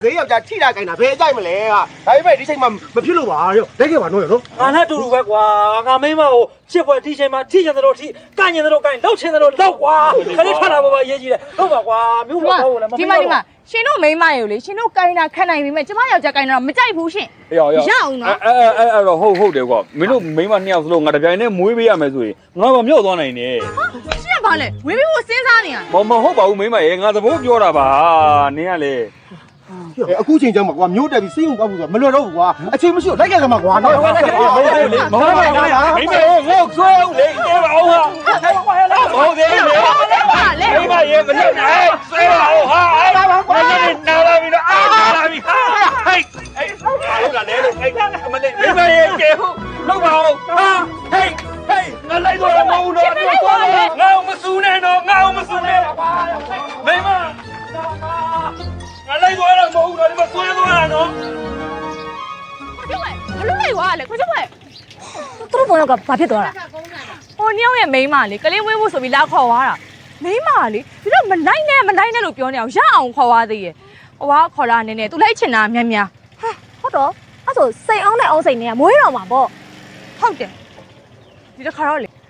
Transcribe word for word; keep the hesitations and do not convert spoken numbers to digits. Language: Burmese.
ဈေးယောက်ျားထိတာခိုင်းတာဘယ်ကြိုက်မလဲဟာဒါပေမဲ့ဒီချိန်မှာမဖြစ်လို့ပါရောလက်ခဲ့ပါတော့ရောငါနဲ့တူတူပဲကွာငါမိမကိုချစ်ဖွယ်ဒီချိန်မှာထိချင်တယ်လို့ထိကန့်ကျင်တယ်လို့ကန့်လောက်ချင်တယ်လို့လောက်ကွာခလေးထွက်လာပေါ်မှာအရေးကြီးတယ်ဟုတ်ပါကွာမြို့ပေါ်ကိုလည်းမဒီမှာဒီမှာရှင်တို့မိန်းမရေကိုလေရှင်တို့ကိုင်းတာခက်နိုင်ပြီမဲ့ကျမယောက်ျားကိုင်းတာမကြိုက်ဘူးရှင်ရောရောရအောင်နော်အဲအဲအဲအဲ့တော့ဟုတ်ဟုတ်တယ်ကွာမင်းတို့မိန်းမနှစ်ယောက်စလုံးငါတပြိုင်နဲ့မွေးပေးရမယ်ဆိုရင်ငါမမြောက်သွားနိုင်နဲ့ရှင်ကဘာလဲဝေးပြီးကိုစဉ်းစားနေရမမဟုတ်ပါဘူးမိန်းမရေငါသဘောပြောတာပါနင်းကလေအခုချိန်ကျမှကွာမျိုးတက်ပြီးစိတ်ုံကောက်ဖို့ဆိုမလွယ်တော့ဘူးကွာအချိန်မရှိတော့လိုက်ကဲကမှကွာနော်မဟုတ်ပါဘူးမိန်းမရေငေါ့ဆွဲအောင်လေတဲပါအောင်ဟာဟုတ်တယ်လေလေမိန်းမရေမလုပ်နဲ့ဆွဲပါအောင်ဟာအဲ့ဒါကွာနာလာပြီတော့အာနာလာပြီဟာဟိတ်အဲ့ဟုတ်လားလေလို့အဲ့မလေးမိန်းမရေကျေဟုတ်လောက်ပါအောင်ဟာဟိတ်ဟိတ်ငါလိုက်တော့မဟုတ်တော့တော့ငါမစူးနဲ့တော့ငါမစူးနဲ့မိန်းမငါလိုက်တော့မဟုတ်တော့ဒီမှာဆွဲသွားတာနော်ကျမဘလို့လိုက်သွားလဲကိုကျမသူတို့ဘုံကဘာဖြစ်သွားတာဟိုနှစ်ယောက်ရဲ့မိန်းမလေကလေးဝေးဖို့ဆိုပြီးလာခေါ်သွားတာမိန်းမလေဒီတော့မနိုင်နဲ့မနိုင်နဲ့လို့ပြောနေအောင်ရအောင်ခေါ်သွားသေးရဲ့ဟိုကခေါ်လာနေနေသူလိုက်ချင်တာများများဟုတ်တော့အဲ့ဆိုစိတ်အောင်နဲ့အောင်စိတ်နဲ့ကမွေးတော်မှာပေါ့ဟုတ်တယ်ဒီတစ်ခါတော့လေ